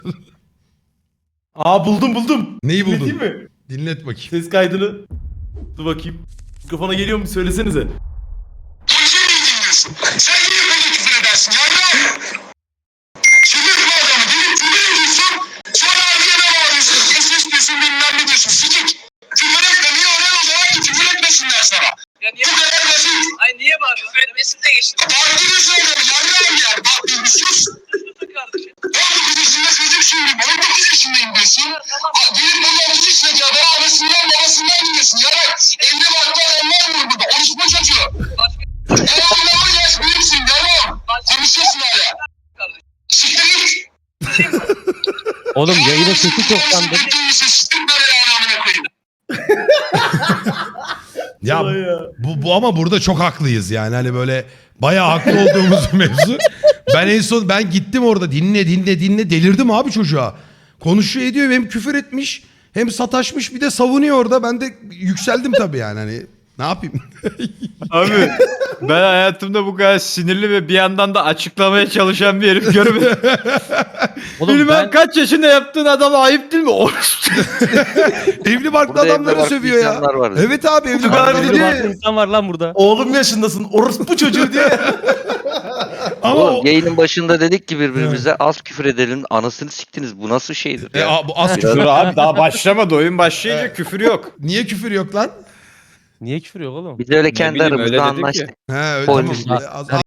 Aa buldum. Neyi buldun? Dinleteyim mi? Dinlet bakayım. Ses kaydını. Dur bakayım. Mikrofona geliyor mu? Söylesenize. Polise mi dinliyorsun? Sen niye böyle küfür edersin yavrum? Çıldırtma adamı. Gelip küfür ediyorsun. Sonra ardına bağırıyorsun. Ses istiyorsun bilmem ne diyorsun. Sikik. Küfür etme. Niye öğren o zaman ki küfür etmesinler sana. Ya niye? Bu kadar basit. Ay niye bağırıyorsun? Söylemesini de geçtim. Bağırtırıyorsun adamı. Yavrum yani. Bak bir sus. Susun kardeşim. 19 yaşında çocuk şimdi. 19 yaşındayım diyorsun. Gelip burada 30 yaşındaki adamı anasından babasından dinliyorsun. Ya bak evli barklı adamlar var burada. Konuşma çocuğu. Oğlum yaş büyüksün devam. Konuşuyorsun hala. Siktir git. Oğlum yayının sesi çok sandı. Siktir böyle anamına koyayım. Ya Vay ya. bu ama burada çok haklıyız yani hani böyle bayağı haklı olduğumuz mevzu. Ben gittim orada dinle delirdim abi çocuğa. Konuşuyor ediyor hem küfür etmiş hem sataşmış bir de savunuyor orada. Ben de yükseldim tabii yani hani ne yapayım? Abi ben hayatımda bu kadar sinirli ve bir yandan da açıklamaya çalışan bir herif görmedim. Oğlum Bilmem ben kaç yaşında yaptığın adama ayıp değil mi? Evli barklı Burada evli adamları barklı sövüyor ya. insanlar var. Evet abi evli Abi barklı. dedi- bir farklı insan var lan burada. Oğlum yaşındasın. Orospu çocuğu diye. Ama Oğlum yayının başında dedik ki birbirimize az küfür edelim anasını siktiniz. Bu nasıl şeydir ya? bu az Dur küfür. abi daha başlamadı. Oyun başlayınca küfür yok. Niye küfür yok lan? Niye küfür yok oğlum? Biz öyle kendi bileyim, öyle aramızda dedik ya. anlaştık. He öyle Polis. tamam. Az